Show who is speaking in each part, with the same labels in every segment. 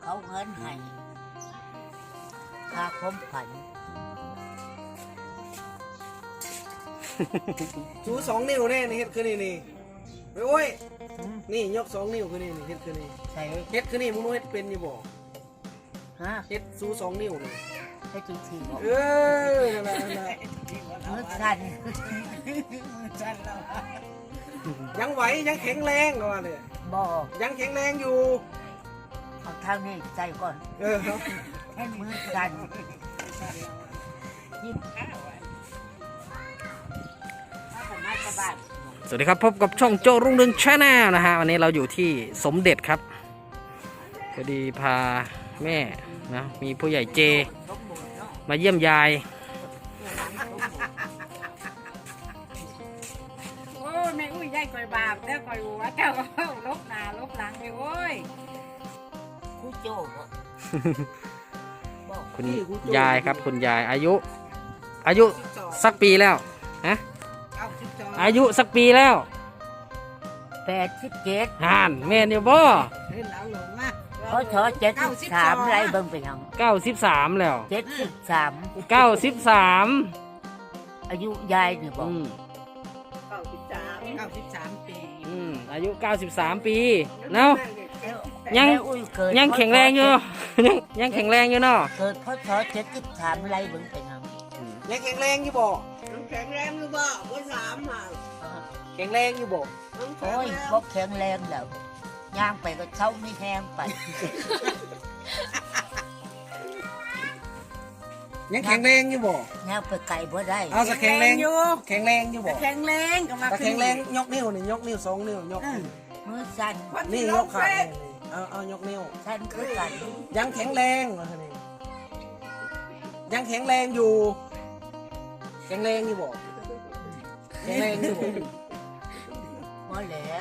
Speaker 1: เขาเงินให้ค่าความฝัน
Speaker 2: ชู2 นิ้วแน่นี่เฮ็ดคือนี่โอ้ยนี่ยก2 นิ้วคือนี่เฮ็ดคือนี่
Speaker 1: ใส่
Speaker 2: เฮ็ดคือนี่มึงรู้เฮ็ดเป็นอยู่บ่
Speaker 1: ฮะ
Speaker 2: เฮ็ดชู2 นิ้วนี่
Speaker 1: ให้จริงๆบอก
Speaker 2: นั่นแหละ
Speaker 1: มือสั่น
Speaker 2: ยังไหวยังแข็งแรงก็ว่าเลย
Speaker 1: บอก
Speaker 2: ยังแข็งแรงอยู่
Speaker 1: เอาทางนี้ใจก่อน
Speaker 2: ครับ
Speaker 1: ให้มือสั่นยิ้มมาสบาย
Speaker 3: สวัสดีครับพบกับช่องโจรุ่งเรืองชาแนลนะฮะวันนี้เราอยู่ที่สมเด็จครับพอดีพาแม่นะมีผู้ใหญ่เจมาเยี่ยมยาย
Speaker 4: โอ้แม่อุ้ยยายก่อยบาปแล้วก่อยหัวเจ้าก็ลบหน้าลบหลังเลยโอ้ย
Speaker 1: ครูโจบอก
Speaker 3: คุณยายครับคุณยายอายุสักปีแล้วฮะอายุสักปีแล้ว
Speaker 1: 87
Speaker 3: ห่านแม่เนี่ยบ่
Speaker 4: เล่นแล้วหลงอ่ะ
Speaker 1: เขาขอ73ไรเบิ่งไปยัง
Speaker 3: 93แล้ว
Speaker 1: 73
Speaker 3: 93
Speaker 1: อายุยายนี่บอก
Speaker 4: 93 ปี
Speaker 3: อายุ93 ปีเนาะ ยัง
Speaker 1: แม่อุ้ยเกิด
Speaker 3: ยังแข็งแรงอยู่ ยังแข็งแรงอยู่เนาะ
Speaker 1: เกิดพศ73ไรเบิ่งไปยัง
Speaker 2: ยังแข็งแรงอยู่บ่
Speaker 4: แข็งแรงหรือเปล่าว่า3อ่ะ
Speaker 2: แข็งแรงอยู่บ่
Speaker 1: โอ้ยบ่แข็งแรงแล้วย่างไปก็เช้าไม่แห้งไป
Speaker 2: ยังแข็งแรงอยู่บ่
Speaker 1: ย่างไปไกลบ่ได้
Speaker 2: เอาสักแข็งแรงอยู่แข็งแรงอยู่บ่
Speaker 4: แข็งแรงก็มา
Speaker 2: แต่แข็งแรงยกนิ้วนี่ยกนิ้ว2 นิ้วยก
Speaker 1: มือสั่น
Speaker 2: นี่ยกขานี่เอายกนิ้ว
Speaker 1: สั่นคือกัน
Speaker 2: ยังแข็งแรงว่าซั่นนี่ยังแข็งแรงอยู่แข็งแรงอยู่บ่แข็งแรงอยู่บ่
Speaker 1: บ่แล้ว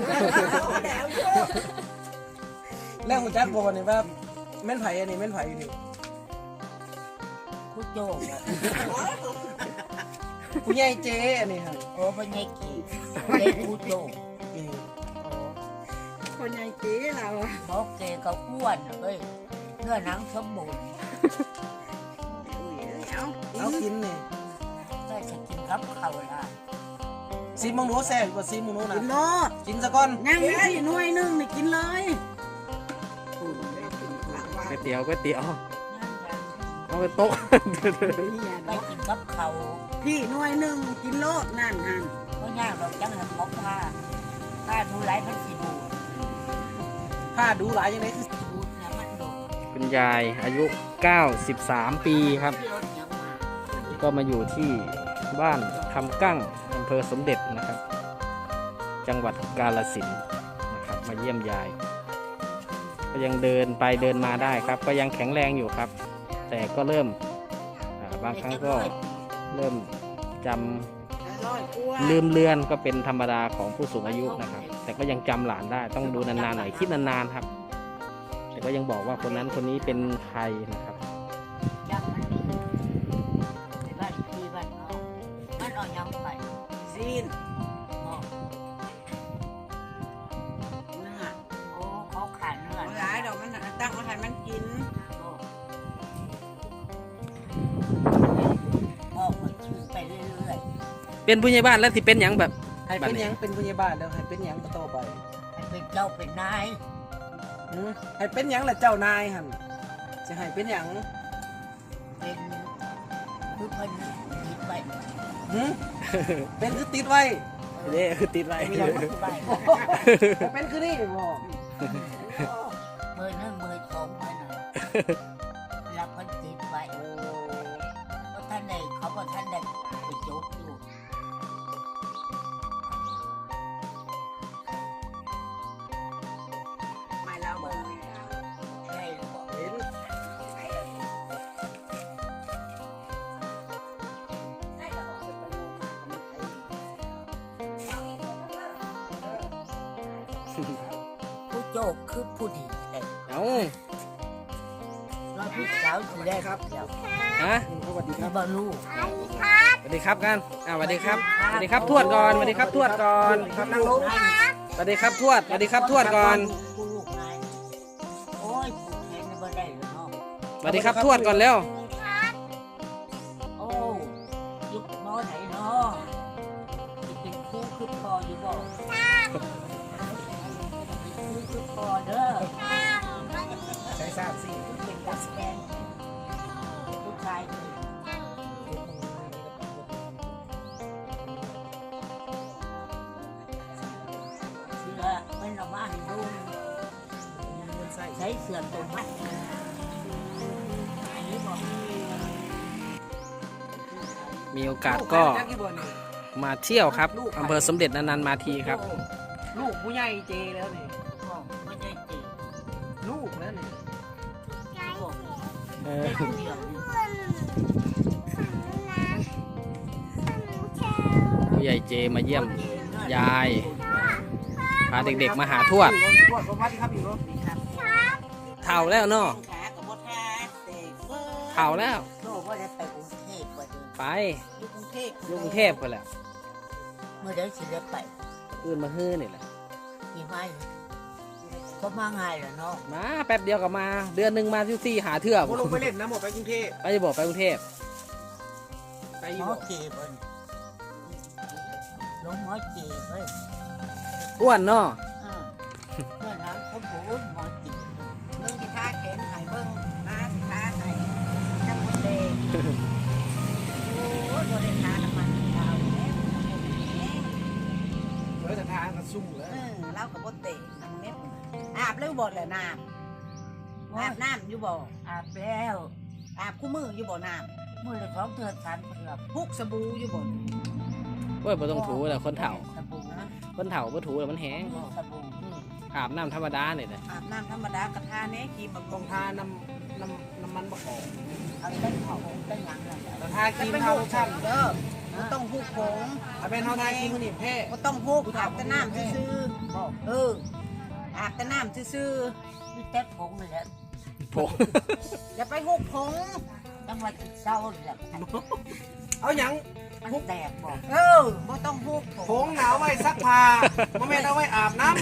Speaker 2: แล้วหัวจักบอกนี่ว่าแม่นไผ่อันนี้แม่นไผ่นี่
Speaker 1: ครูโจบอก
Speaker 2: ผู้ใหญ่เจอันนี้ครับ
Speaker 1: โอ้บ่ใหญ่กี่เด็กครูโจ
Speaker 2: นี่
Speaker 1: โอ้
Speaker 4: คนใหญ่ตีเรา
Speaker 1: บอกเกก็อ้วนเอ้ยเนื้อหนังสมบูรณ์
Speaker 2: เอากินนี่
Speaker 1: ก็จะกินกับข้าวละ
Speaker 2: ซีมังโนแซ่บกว่าซีมังโนนะ
Speaker 4: กินโลด
Speaker 2: กินซะก่อน
Speaker 4: นั่งได้หน่วยนึงนี่กินเลย
Speaker 3: ก๋วยเตี๋ยว
Speaker 1: ย่าง
Speaker 3: เอาไปโต๊ะ
Speaker 1: ๆไปกินกับข้าว
Speaker 4: พี่หน่วยนึงกินโลดนั่น
Speaker 1: ก็ย่างเราจังหันของผ้าดูหลายมันสิดู
Speaker 2: ผ้าดูหลายยังไงคือ
Speaker 1: ดูเนี่ยมันดู
Speaker 3: คุณยายอายุ 93 ปีครับ
Speaker 1: ที่รถยังมา
Speaker 3: ก็มาอยู่ที่บ้านคำกั้งอำเภอสมเด็จนะครับ จังหวัดกาฬสินธุ์นะครับมาเยี่ยมยาย ก็ยังเดินไปเดินมาได้ครับ ก็ยังแข็งแรงอยู่ครับ แต่ก็เริ่มบางครั้งก็เริ่มจำลืมเลือนก็เป็นธรรมดาของผู้สูงอายุนะครับ แต่ก็ยังจำหลานได้ต้องดูนานๆหน่อยคิดนานๆครับ แต่ก็ยังบอกว่าคนนั้นคนนี้เป็นใครนะครับ
Speaker 1: จังมันนี่บ้านที่บ้านเอามันเอายังไป
Speaker 4: ซีน
Speaker 1: อ๋อ
Speaker 4: เนื้อ
Speaker 1: โอ้เขาขาดเนื้อ
Speaker 4: หลายดอกมันตั้งเอาให้มันกิน
Speaker 1: โอ้ออกมาชื่อไปเรื่อย
Speaker 3: เป็นผู้ใหญ่บ้านแล้วที่เป็นอย่างแบบ
Speaker 2: ให้เป็นหยังเป็นผู้ใหญ่บ้านแล้วให้เป็นหยังต่อไป
Speaker 1: ๆให้เป็นเจ้าเป็นนาย
Speaker 2: ให้เป็นหยังล่ะเจ้านายหั่นสิให้เป็นหยัง
Speaker 1: เป็นคือเพิ่นคิดไป
Speaker 2: หืมเป็นคือติดไว้
Speaker 3: เด้คือติดไว้
Speaker 1: มีอย่างนี้ไป
Speaker 2: เป็นคือนี่บ่
Speaker 1: มือหนึ่งมือสองมือหนึ่งแล้วเพิ่นติดไว้เพราะท่านใดเขาบอกท่านใดไปจบอยู่
Speaker 4: ไม่เราเบิ่ง
Speaker 1: ใช่หรือเปล่า
Speaker 2: เห็น
Speaker 1: ผู้โจกคือผู้ดีแต่
Speaker 3: เอ้า
Speaker 1: เราผู้สาวทีแรกครับแล้ว
Speaker 3: ฮะ
Speaker 2: สวัสดีค
Speaker 1: มี
Speaker 2: รับ
Speaker 1: บอลูก
Speaker 3: สวัสดีครับกันสวัสดีครับสวัสดีครับทวดก่อนสวัสดีครับทวดก่อน
Speaker 2: ครับนั่งลง
Speaker 3: สวัสดีครับทวดสวัสดีครับทวดก่อน
Speaker 1: ผู้ลูกนายโอ้ยผู้แท
Speaker 3: สวัสดีครับทวดก่อนแล้ว
Speaker 1: โอ้ยุคมอไหนเนาะเป็นครูคือพออยู่บ่ครูคือพอเด้อ
Speaker 2: ใช้ทราบสิ
Speaker 1: เป็นนักแสดงผู้ชายเสือเป็นเรามาให้ดูใช้เสือตัวมัดอันนี้บอก
Speaker 3: มีโอกาสก็มาเที่ยวครับอำเภอสมเด็จนานๆมาทีครับ
Speaker 2: ลูกผู้ใหญ่เจแล้วนี่
Speaker 1: บอกไม่ได้จีบ
Speaker 2: ลูกแล้วนี่
Speaker 1: บอก
Speaker 3: เออ
Speaker 1: ได้คนเดียว
Speaker 3: ผู้ใหญ่เจมาเยี่ยม ยาย พาเด็กๆมาหาทวด
Speaker 2: ทวดสวัสดีครับอยู่รถ
Speaker 3: เท่าแล้วเนาะ
Speaker 1: ขากับบดแท้เด็ก
Speaker 3: เท่าแล้ว
Speaker 1: โลกว่าจะไปกรุงเทพกว่าเดิม
Speaker 3: ไป
Speaker 1: อยู่กรุงเทพ
Speaker 3: กรุงเทพกันแหล้ว
Speaker 1: เมื่อเดี๋ยวสิได้ไป
Speaker 3: อื่นมาฮื้อนี่แหละ
Speaker 1: กี่ไม้ก็มาง่ายแหละเนาะ
Speaker 3: มาแป๊บเดียวก็มา เดือนหนึ่งมาที่หาเทือก
Speaker 2: โมลงไปเล่นนะหมดไปกรุงเทพ
Speaker 3: ไปจะบอกไปกรุงเทพ
Speaker 2: ไป
Speaker 1: ห
Speaker 2: อยู่
Speaker 1: มอ
Speaker 2: บ่
Speaker 1: เก็บเลยลงหมอเก็บเลย
Speaker 3: อ้วนเนาะ
Speaker 1: เมื่อนั้นเขาบอกหมอเก็บ
Speaker 4: เบิ่งสิท่าแขนให้เบิ่งมาสิท่าให้จังหวัดเลย
Speaker 1: โอ้ยบริการน้ำมันดาวแล้ว
Speaker 2: เฮ้ยแต่ทางก็สู้แล้ว
Speaker 4: เรากับบ่เตะนังเม็ดอาบแล้วบ่แหละน้ำอาบน้ำอยู่บ่
Speaker 1: อาบแล้ว
Speaker 4: อาบคู่มืออยู่บ่น้
Speaker 1: มือละ2 เดือน3 เดือน
Speaker 4: ำพุกสบู่อยู่บ่
Speaker 3: เว้ยบ่ต้องถูแหละคนเฒ่า
Speaker 1: สบู่นะ
Speaker 3: คนเฒ่าบ่ถูแล้วมันแห้ง
Speaker 1: สบู่
Speaker 3: อาบน้ำธรรมดาเนี่ยแหละ
Speaker 4: อาบน้ำธรรมดากระทาแน่ครีมบำ
Speaker 2: ตร
Speaker 4: รุ
Speaker 2: ง
Speaker 4: ง
Speaker 2: ทาน้ำมันบกออก
Speaker 1: เอาเต้นเขาเต้นหยังนั่นแหละ
Speaker 2: แต่ทาครีมทาโลชั่น
Speaker 4: เด้อบ่ต้องฮุกผง
Speaker 2: ถ้าเป็นเท่าทาครีมมันนี่แพ้
Speaker 4: บ่ต้องฮุกอาบแต่น้ำซื่อ
Speaker 1: บอก
Speaker 4: ๆอาบแต่น้ำซื่อ
Speaker 1: นี่เต้นผงเลยแหละ
Speaker 3: โผ
Speaker 4: ๆอย่าไปฮุกผง
Speaker 1: จังหวัดเศร้าแหละ
Speaker 2: เอาหยัง
Speaker 1: มันแตกบอก
Speaker 4: บ่ต้องฮุก
Speaker 2: ผงหนาวไว้ซักผ้าโมเมนเอาไว้อาบน้ำ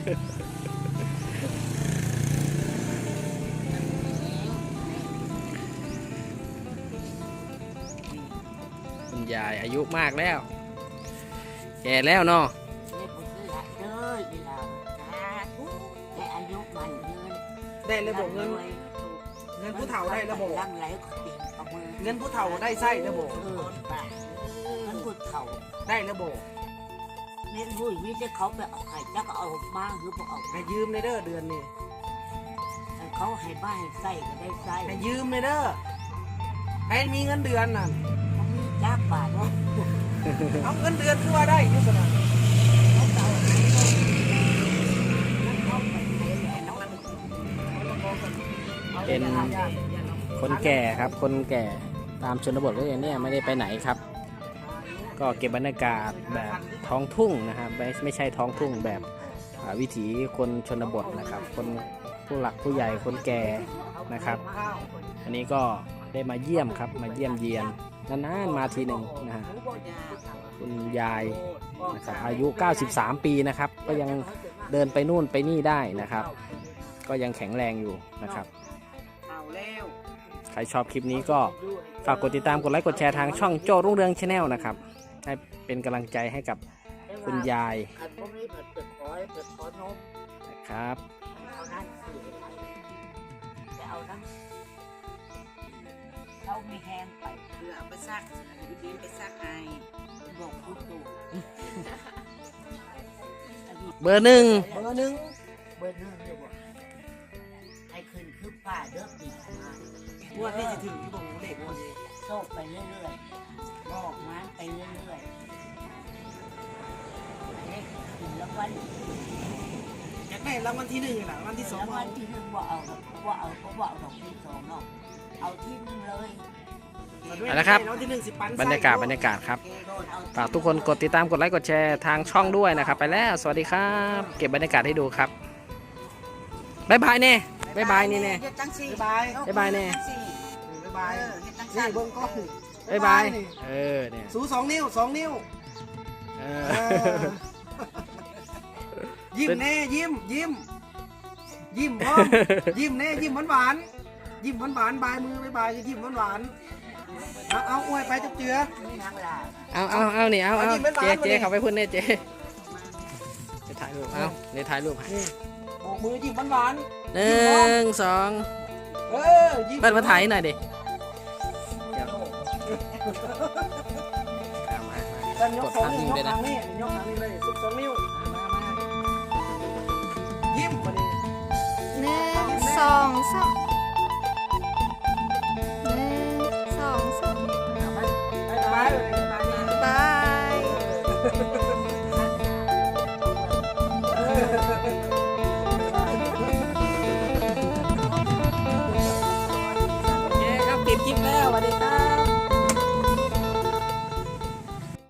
Speaker 3: คุณยายอายุมากแล้ว แก่แล้วเนาะ
Speaker 1: นี่ผมซื้อละเด้ออีหลาแต่อายุมันเงิน
Speaker 2: ได้ระบบเงินผู้เฒ่าได้ระบบ
Speaker 1: ลังไหลก็ติดประมือ
Speaker 2: เงินผู้เฒ่าได้ไส้ระบบ
Speaker 1: ป่าเงินผู้เฒ่า
Speaker 2: ได้ระบบ
Speaker 1: เน้นรุ่ยมิจะเขาไปเอาไข่แล้วก็เอาบ้างหรือเปล่า
Speaker 2: ให้ยืมในเด้อเดือนนี้
Speaker 1: เขาให้บ้านให้ไส้ก็ได้ไส้
Speaker 2: ให้ยืมในเด้อให้มีเงินเดือนน่ะ
Speaker 1: เขามีจ้าบาทว่า
Speaker 2: เอาเงินเดือนคือว่าได้อยุ่สนะ
Speaker 1: เขาเก่าเขาไปไหนแหละน้องมัน
Speaker 3: เป็นคนแก่ครับ คนแก่ตามชนบทก็อย่างเนี้ยไม่ได้ไปไหนครับ ก็เก็บบรรยากาศแบบท้องทุ่งนะครับไม่ใช่ท้องทุ่งแบบวิถีคนชนบทนะครับ คนผู้หลักผู้ใหญ่คนแก่นะครับ อันนี้ก็ได้มาเยี่ยมครับ มาเยี่ยมเยียนนานๆมาทีหนึ่งนะฮะคุณยายนะครับอายุ 93 ปีนะครับ ก็ยังเดินไปนู่นไปนี่ได้นะครับ ก็ยังแข็งแรงอยู่นะครับ
Speaker 4: เอาแล้ว
Speaker 3: ใครชอบคลิปนี้ก็ฝากกดติดตามกดไลค์กดแชร์ทางช่องโจ้รุ่งเรืองชาแนลนะครับให้เป็นกำลังใจให้กับคุณยาย
Speaker 1: อันพวกนี้เปิดเปิดขอนม
Speaker 3: นะครับ
Speaker 1: เอานั่นสื่อจะเอานั่นเรามีแหงไป
Speaker 4: เพื่อเอาไปซักอยู่ดีไปซักให้
Speaker 1: บอกคุณตู่
Speaker 3: เบอร์หนึ่ง
Speaker 2: เบอร์หนึ่ง
Speaker 1: เบอร์หนึ่งเลยบอกให้ขึ้นคือป้าเด้อปีมา
Speaker 2: งวดที่จะถึงที่ผมเด็กคนนี้
Speaker 1: โชคไปเรื่อยๆบอกงานไปเรื่อยๆอันนี้ถึงแล้ววัน
Speaker 2: อยากได้รางวัลที่หนึ่งแหละรางวัลที่สอง
Speaker 1: แล้ววันที่หนึ่งว่าเอาก็ว่าเอาดอกที่สองเนาะเอาที่หนึ่งเลย
Speaker 3: เอาละครับ
Speaker 2: รางวัลที่หนึ่งสิปัน
Speaker 3: บรรยากาศครับ ฝากทุกคนกดติดตามกดไลค์กดแชร์ทางช่องด้วยนะครับ ไปแล้วสวัสดีครับ เก็บบรรยากาศให้ดูครับบ๊ายบายเน่บ๊ายบายนี่เน่
Speaker 4: เฮ็ดจังซี่
Speaker 2: บ๊ายบาย
Speaker 3: บ๊ายบายแน่
Speaker 4: เฮ็ดจังซี่
Speaker 2: บ๊ายบาย
Speaker 4: เฮ็ดจัง
Speaker 2: นี่
Speaker 4: ซั่น
Speaker 2: เบิ้งกล้อง
Speaker 3: บ๊ายบายเออเนี่ย
Speaker 2: สู2 นิ้ว 2 นิ้ว
Speaker 3: เอ
Speaker 2: เอ
Speaker 3: อ
Speaker 2: อยิ้มแน่ยิ้มยิ้มพร้อมยิ้มแน่ยิ้มหวานๆยิ้มหวานๆบายมือบายบายยิ้มหวานๆเอาอวยไปจับเจือ
Speaker 1: นี่นักล่ะ
Speaker 3: เอานี่เอา
Speaker 2: อันนี้เป็นหวาน
Speaker 3: เจ๊
Speaker 2: มาดิ
Speaker 3: เขาไปพุ่นเนี่ยเจ๊ไปถ่ายรูปเอานี่ถ่ายรูปให้
Speaker 2: นี่โบกมือยิ้มหวาน
Speaker 3: หนึ่งสอง
Speaker 2: ๆยิ้ม
Speaker 3: เปิดมาถ่ายหน่อยดิเดี๋ยวเอามา
Speaker 2: แต่ย
Speaker 3: ก
Speaker 2: ก
Speaker 3: ด
Speaker 2: สอง
Speaker 3: ภาพ
Speaker 2: นิ้
Speaker 3: นิ่
Speaker 2: ว
Speaker 3: ง
Speaker 2: ย
Speaker 3: ด้วยนะ
Speaker 2: กทางนี้ยกทางนี้เลยสุดสองนิ้วยิ้มมาดิ
Speaker 5: 1 2 3